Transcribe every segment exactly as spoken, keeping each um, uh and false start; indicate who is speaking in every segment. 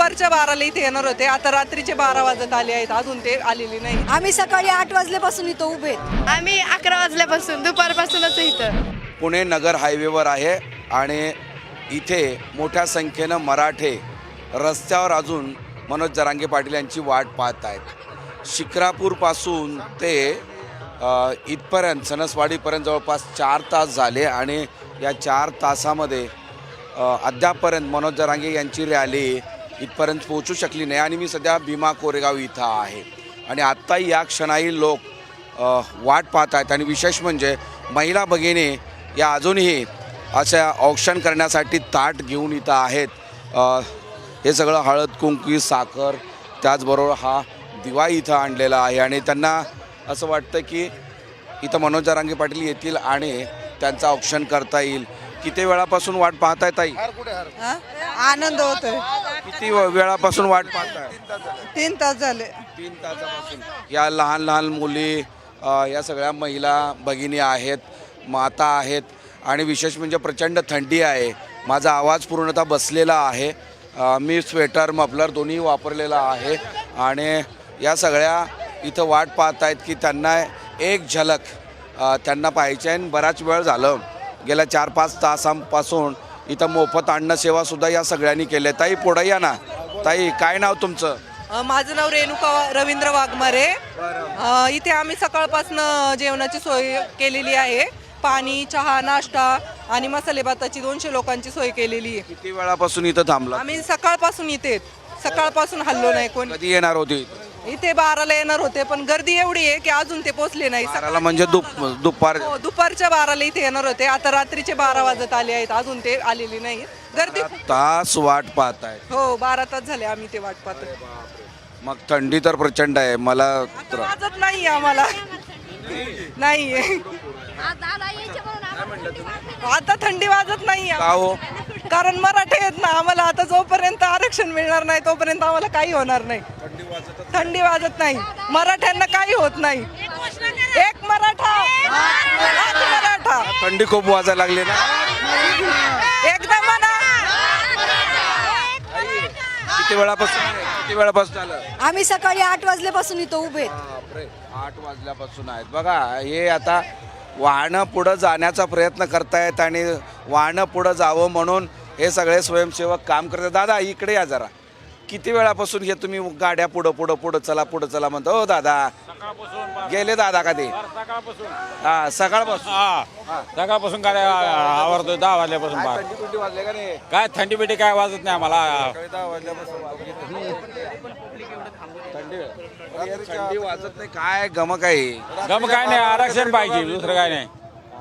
Speaker 1: दुपारच्या बाराला इथे येणार होते, आता रात्रीचे बारा वाजत आले आहेत, अजून ते आलेले नाही.
Speaker 2: आम्ही सकाळी आठ वाजल्यापासून इथं उभे आहेत.
Speaker 3: आम्ही अकरा वाजल्यापासून दुपारपासूनच इथं.
Speaker 4: पुणे नगर हायवेवर आहे आणि इथे मोठ्या संख्येनं मराठे रस्त्यावर अजून मनोज जरांगे पाटील यांची वाट पाहत आहेत. शिक्रापूरपासून ते अ, इथपर्यंत सणसवाडीपर्यंत जवळपास चार तास झाले आणि या चार तासामध्ये अ, अद्यापपर्यंत मनोज जरांगे यांची रॅली इथपर्यंत पोहोचू शकली नाही. आणि मी सध्या भीमा कोरेगाव इथं आहे आणि आत्ताही या क्षणाही लोक अ, वाट पाहत आहेत. आणि विशेष म्हणजे महिला भगिनी या अजूनही अशा औक्षण करण्यासाठी ताट घेऊन इथं आहेत. अ, हे सगळं हळद कुंकू साखर त्याचबरोबर हा दिवा इथं आणलेला आहे आणि त्यांना असं वाटतं की इथं मनोज जरांगे पाटील येतील आणि त्यांचं औक्षण करता येईल. किती वेळापासून वाट पाहताय ताई?
Speaker 1: आनंद होतोय.
Speaker 4: किती वेळापासून वाट पाहताय?
Speaker 1: तीन तास झाले.
Speaker 4: तीन तासापासून या लहान लहान मुली अ, या सगळ्या महिला भगिनी आहेत, माता आहेत आणि विशेष म्हणजे प्रचंड थंडी आहे. माझा आवाज पूर्णतः बसलेला आहे. अ, मी स्वेटर मफलर दोन्ही वापरलेला आहे आणि या सगळ्या इथं वाट पाहत आहेत की त्यांना एक झलक अ, त्यांना पाहायची आहे. बराच वेळ झालं, गेल्या चार पाच तासांपासून इथं मोफत अन्न सेवासुद्धा या सगळ्यांनी केली आहे. ताई पुढे या ना. ताई काय नाव तुमचं?
Speaker 1: अ, माझं नाव रेणुका वा- रवींद्र वाघमारे. अ, इथे आम्ही सकाळपासून जेवणाची सोय केलेली आहे. पाणी, चहा, नाश्ता आणि मसाले भाताची दोनशे लोकांची सोय केलेली आहे.
Speaker 4: किती वेळापासून इथं थांबला?
Speaker 1: आम्ही सकाळपासून इथे सकाळपासून हल्लो नाही कोणी.
Speaker 4: कधी येणार होती?
Speaker 1: इथे बाराला येणार होते पण गर्दी एवढी आहे की अजून ते पोचले नाही.
Speaker 4: बाराला म्हणजे दुप दुपार
Speaker 1: हो, दुपारच्या बाराला इथे येणार होते, आता रात्रीचे बारा वाजत आले आहेत, अजून ते आलेले नाही. गर्दी
Speaker 4: तास वाट पाहताय.
Speaker 1: हो, बारा तास झाले आम्ही ते वाट पाहतो.
Speaker 4: मग थंडी तर प्रचंड आहे. मला
Speaker 1: आता वाजत नाही आम्हाला नाही आता थंडी वाजत नाही
Speaker 4: का हो?
Speaker 1: कारण मराठे आहेत ना, आम्हाला आता जोपर्यंत आरक्षण मिळणार नाही तोपर्यंत आम्हाला काही होणार नाही. थंडी वाजत नाही, मराठ्यांना काही होत नाही. एक मराठा एक मराठा.
Speaker 4: थंडी खूप वाजायला लागली ना.
Speaker 1: एकदा म्हणा.
Speaker 4: किती वेळापासून किती वेळापासून झालं?
Speaker 2: आम्ही सकाळी आठ वाजल्यापासून इथं उभे आहेत.
Speaker 4: बापरे, आठ वाजल्यापासून आहेत. बघा हे आता वाहनं पुढं जाण्याचा प्रयत्न करतायत आणि वाहनं पुढं जावं म्हणून हे सगळे स्वयंसेवक काम करतात. दादा इकडे या जरा. किती वेळापासून हे तुम्ही गाड्या पुढं पुढं पुढं चला पुढं चला म्हणतो? हो दादा गेले दादा का ते? हा सकाळपासून
Speaker 5: हा सकाळपासून गाड्या आवरतो दहा वाजल्यापासून.
Speaker 4: काय थंडी बिंडी वाजले का नाही?
Speaker 5: काय थंडी बिटी काय वाजत नाही आम्हाला.
Speaker 4: सकाळी दहा वाजल्यापासून थंडी थंडी वाजत नाही. काय गमक आहे?
Speaker 5: गम काय नाही, आरक्षण पाहिजे, दुसरं काय नाही.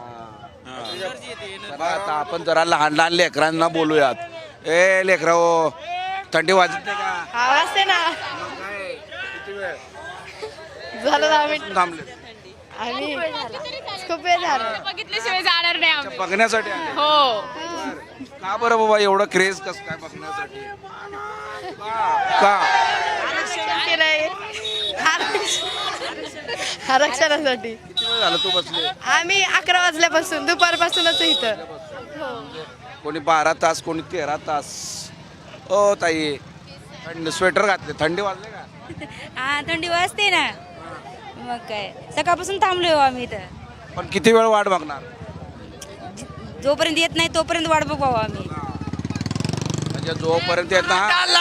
Speaker 4: चला आता आपण जरा लहान लहान लेकरांना बोलूयात. ए लेकरा हो, थंडी वाजत नाही का?
Speaker 3: आवाज ते ना
Speaker 4: काय? किती वेळ
Speaker 3: झालं दहा मिनिट.
Speaker 4: थांबले?
Speaker 3: आम्ही खूप वेळ झालं.
Speaker 6: बघितल्याशिवाय जाणार नाही आम्ही.
Speaker 4: बघण्यासाठी आले?
Speaker 6: हो.
Speaker 4: का बरं बाबा एवढं क्रेज कसं काय बघण्यासाठी? का? का
Speaker 3: आरक्षण केलंय. आरक्षणासाठी.
Speaker 4: किती वेळ झालं तू बसले?
Speaker 3: आम्ही अकरा वाजल्यापासून दुपारपासूनच इथं.
Speaker 4: कोणी बारा तास कोणी तेरा तास. ओ ताई थंडी स्वेटर घातले, थंडी वाजले का?
Speaker 2: हा थंडी वाजते ना, मग काय सकाळपासून थांबलोय आम्ही इथं.
Speaker 4: पण किती वेळ वाट बघणार?
Speaker 2: जोपर्यंत येत नाही तोपर्यंत वाट बघावं आम्ही.
Speaker 4: म्हणजे जोपर्यंत येत ना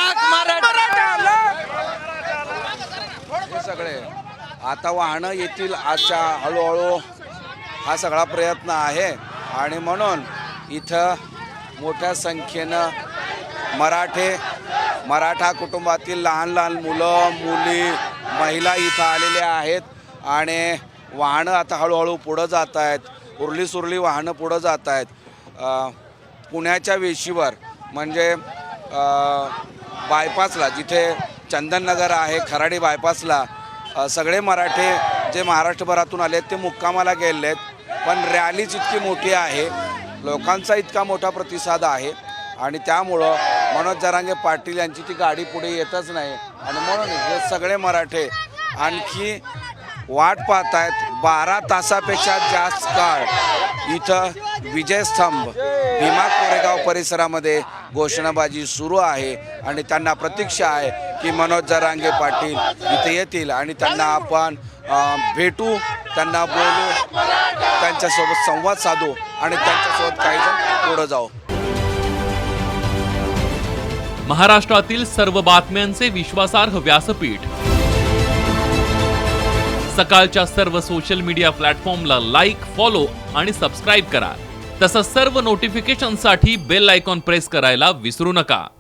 Speaker 4: हे सगळे आता वाहनं येतील आजच्या हळूहळू हा सगळा प्रयत्न आहे. आणि म्हणून इथं मोठ्या संख्येनं मराठे मराठा कुटुंबातील लहान लहान मुलं मुली महिला इथं आलेल्या आहेत आणि वाहनं आता हळूहळू पुढं जात आहेत. उरली सुरली वाहनं पुढं जात आहेत. पुण्याच्या वेशीवर म्हणजे बायपासला जिथे चंदननगर आहे, खराडी बायपासला सगळे मराठे जे महाराष्ट्रभरातून आले ते मुक्कामाला गेले आहेत. पण रॅलीच इतकी मोठी आहे, लोकांचा इतका मोठा प्रतिसाद आहे आणि त्यामुळं मनोज जरांगे पाटील यांची ती गाडी पुढे येतच नाही. आणि म्हणून हे सगळे मराठे आणखी वाट पाहत आहेत. बारा तासापेक्षा जास्त काळ इथं विजयस्तंभ भीमा कोरेगाव परिसरामध्ये घोषणाबाजी सुरू आहे आणि त्यांना प्रतीक्षा आहे की मनोज जरांगे पाटील इथे येतील आणि त्यांना आपण अ, भेटू, त्यांना बोलू, त्यांच्यासोबत संवाद साधू आणि त्यांच्यासोबत काही जण पुढं जाऊ.
Speaker 6: महाराष्ट्रातील सर्व बातम्यांचे विश्वासार्ह व्यासपीठ सकाळच्या सर्व सोशल मीडिया प्लॅटफॉर्मला लाईक, फॉलो आणि सबस्क्राईब करा. तसंच सर्व नोटिफिकेशनसाठी बेल आयकॉन प्रेस करायला विसरू नका.